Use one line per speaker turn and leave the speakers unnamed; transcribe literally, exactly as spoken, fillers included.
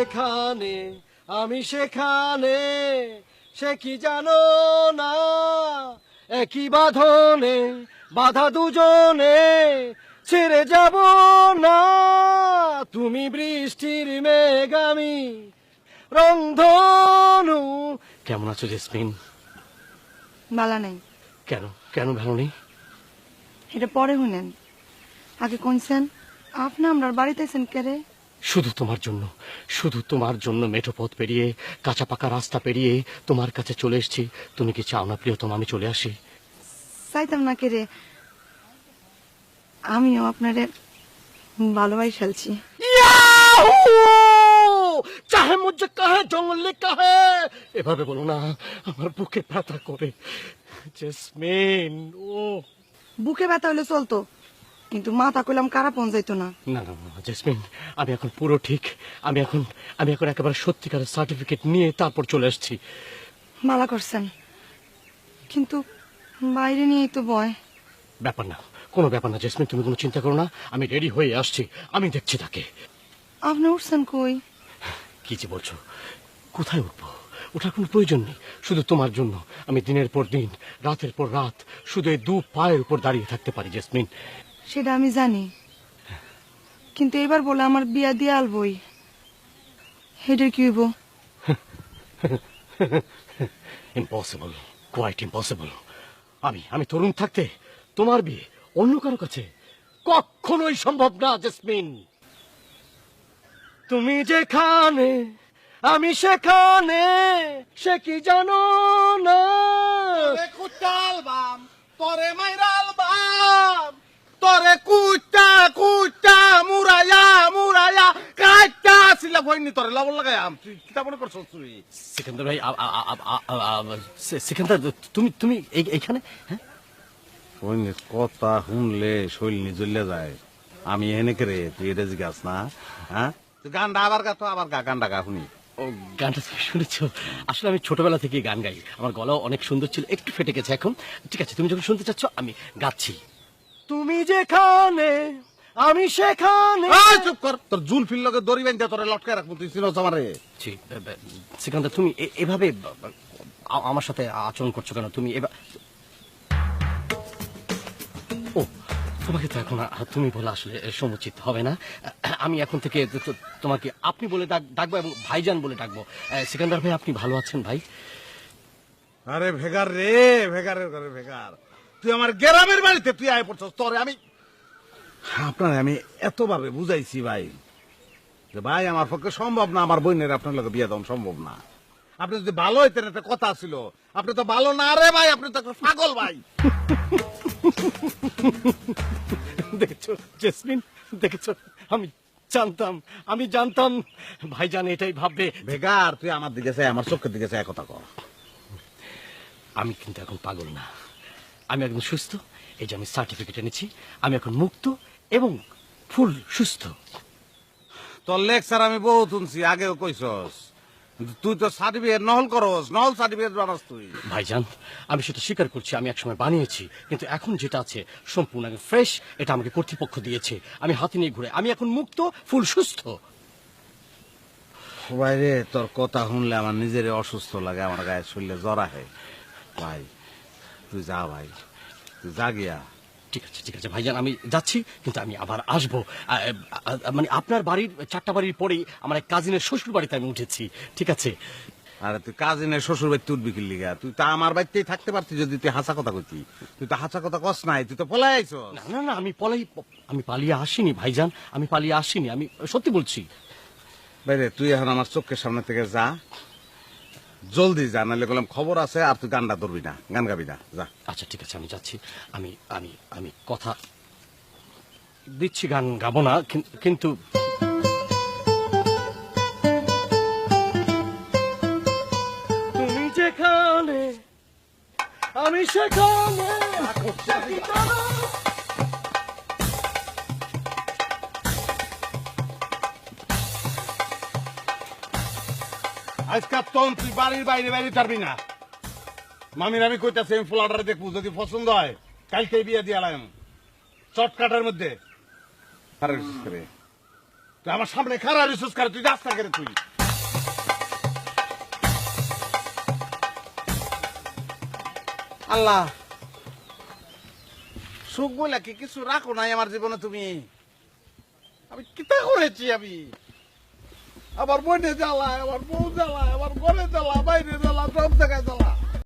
যেখানে আমি সেখানে, সে কি জানো না, একই বাঁধনে বাধা দুজনে, ছেড়ে যাব না। তুমি বৃষ্টির মেঘ, আমি রংধনু। কেমন আছো জেসমিন?
বালা নাই।
কেন কেন ভালো নেই?
এটা পরে শুনেন, আগে কইছেন আপনি আমরার বাড়িতে আছেন কেরে?
শুধু তোমার জন্য, শুধু তোমার জন্য মেঠো পথ পেরিয়ে, কাঁচা পাকা রাস্তা পেরিয়ে তোমার কাছে চলে এসেছি। তুমি কি চাও না প্রিয়তম আমি চলে আসি?
চাইতাম না কেরে, আমিও আপনারে ভালোবাই ফেলছি।
চাহে মুঝে কাহে জঙ্গলে কাহে, এভাবে বলো না, আমার বুকে ব্যথা করে। জেসমিন ও
বুকে ব্যথা হলে চলতো, কিন্তু মাথা কইলাম কারা পন যাইতো না।
না না না জেসমিন, আমি এখন পুরো ঠিক। আমি এখন আমি এখন একেবারে সত্যিকারের সার্টিফিকেট নিয়ে তারপর চলে আসছি।
মালা করছেন, কিন্তু বাইরে নিয়েই তো ভয়।
ব্যাপার না, কোনো ব্যাপার না জেসমিন, তুমি কোনো চিন্তা করো না, আমি রেডি হয়ে আসছি, আমি দেখছি তাকে।
আপনি উঠছেন কই?
কি যে বলছো, কোথায় উঠবো? ওঠার কোনো প্রয়োজন নেই। শুধু তোমার জন্য আমি দিনের পর দিন, রাতের পর রাত শুধু এই দু পায়ের উপর দাঁড়িয়ে থাকতে পারি জেসমিন।
সেটা আমি জানি, কিন্তু এবার বলে আমার বিয়া দিয়ে আলবই, হেডের কি হইব?
Impossible, quite impossible. আমি আমি তরুণ থাকতে তোমার বিয়ে অন্য কারো কাছে কখনোই সম্ভব না জেসমিন। তুমি যেখানে আমি সেখানে, সে কি জানো না।
কুটালবাম তোরে মাইরালবাম, তোরে কুটা কুটা মুরায়া মুরায়া কাটা ছিলা ভইনি তোরে লবণ লাগায়াম। তুই কিতা মনে করছস তুই?
সিকান্দার ভাই, আ- আ- আ- আ- আ- আ- সি- সিকান্দার তুমি তুমি এই- এইখানে? হ্যাঁ,
ভইনি কথা শুনলে শৈলিনি জ্বলে যায়। আমি এনে করে তুই এটা জিজ্ঞাস না, হ্যাঁ? তুই গানটা আবার গা তো, আবার গা, গানটা গা শুনি।
ও গানটা তুমি শুনেছো? আসলে আমি ছোটবেলা থেকে গান গাই, আমার গলাও অনেক সুন্দর ছিল, একটু ফেটে গেছে এখন। ঠিক আছে, তুমি যখন শুনতে চাচ্ছ আমি গাচ্ছি। তুমি যেখানে আমি সেখানে।
এই চুপ কর, তোর জুল ফিল লগে দড়ি বাইন্ধা তোরে লটকায় রাখবো, তুই চিনস আমারে?
জি, বে- বে- সিকান্দার তুমি এ- এভাবে ব- ব- আ- আমার সাথে আচরণ করছো কেন? তুমি এবার ও তোমাকে তো এখন আ- তুমি বলে আসলে সমুচিত হবে না। আমি এখন থেকে তো- তো- তোমাকে আপনি বলে ডাক- ডাকবো এবং ভাইজান বলে ডাকবো। আহ, সিকান্দার ভাই, আপনি ভালো আছেন ভাই?
আরে ভেগার রে, ভেগারের ঘরে ভেগার, তুই আমার গ্রামের বাড়িতে তুই আয় পড়ছস। তোরে আমি আপনার আমি এতভাবে বুঝাইছি ভাই, যে ভাই আমার পক্ষে সম্ভব না, আমার বোনের আপনার লোক বিয়ে দেওয়া সম্ভব না। আপনি যদি ভালো হইতেন, একটা কথা ছিল। আপনি তো ভালো না রে ভাই, আপনি তো একটা পাগল ভাই।
দেখেছো জেসমিন, দেখেছো? আমি জানতাম, আমি জানতাম ভাইজান এটাই ভাববে।
ভেগার তুই আমার দিকে চাই, আমার চোখের দিকে চাই, কথা কর।
আমি কিন্তু এখন পাগল না, আমি একদম সুস্থ। এই যে আমি সার্টিফিকেট এনেছি, আমি এখন মুক্ত এবং ফুল সুস্থ।
তোর লেকচার আমি বহুত শুনছি, আগেও কইছস, কিন্তু তুই তো সার্টিফিকেট নহল করস, নহল সার্টিফিকেট বানাস তুই।
ভাইজান, আমি সেটা স্বীকার করছি, আমি একসময় বানিয়েছি, কিন্তু এখন যেটা আছে সম্পূর্ণ ফ্রেশ। এটা আমাকে কর্তৃপক্ষ দিয়েছে, আমি হাতে নিয়ে ঘুরে, আমি এখন মুক্ত, ফুল সুস্থ।
ভাই রে, তোর কথা শুনলে আমার নিজের অসুস্থ লাগে, আমার গায়ে শরীরে জ্বর আহে। ভাই তুই যা, ভাই তুই যা গিয়া।
ঠিক আছে ঠিক আছে ভাইজান, আমি যাচ্ছি, কিন্তু আমি আবার আসবো। আ, আ, মানে আপনার বাড়ির চারটা বাড়ির পরেই আমার এক কাজিনের শ্বশুর বাড়িতে আমি উঠেছি। ঠিক আছে?
আরে তুই কাজিনের শ্বশুর বাড়িতে উঠবি কি লিগা? তুই তো আমার বাড়িতেই থাকতে পারতি যদি তুই হাসা কথা কইতি। তুই তো হাসা কথা কস নাই, তুই তো পলাই আইছস।
না না না, আমি পলাই আমি পালিয়ে আসিনি ভাইজান, আমি পালিয়ে আসিনি, আমি সত্যি বলছি।
বাইরে তুই এখন আমার চোখের সামনে থেকে যা, জলদি যা, নাহলে বললাম খবর আছে, আর তুই গানটা ধরবি না, গান গাবি না, যা।
আচ্ছা ঠিক আছে, আমি যাচ্ছি। আমি আমি আমি কথা দিচ্ছি, গান গাবো না, কিন- কিন্তু তুমি যেখানে আমি সেখানে।
আজকাল তখন তুই বাড়ির বাইরে বাইরে পারবি না। মামির আমি কইতাছি, আমি ফ্লাটারে দেখবো, যদি পছন্দ হয় কালকে বিয়ে দিয়ে আলাম চটকাটার মধ্যে। আরে রে, তুই আমার সামনে খারাপ রিসোর্স করে, তুই রাস্তা করে তুই আল্লাহ, সুখ বলে কি কিছু রাখো নাই আমার জীবনে তুমি? আমি কিতা করেছি আমি? আমার বোনে জ্বালা, আমার বউ জ্বালা, আমার ঘরে জ্বালা, বাইরে জ্বালা, সব জায়গায় জ্বালা।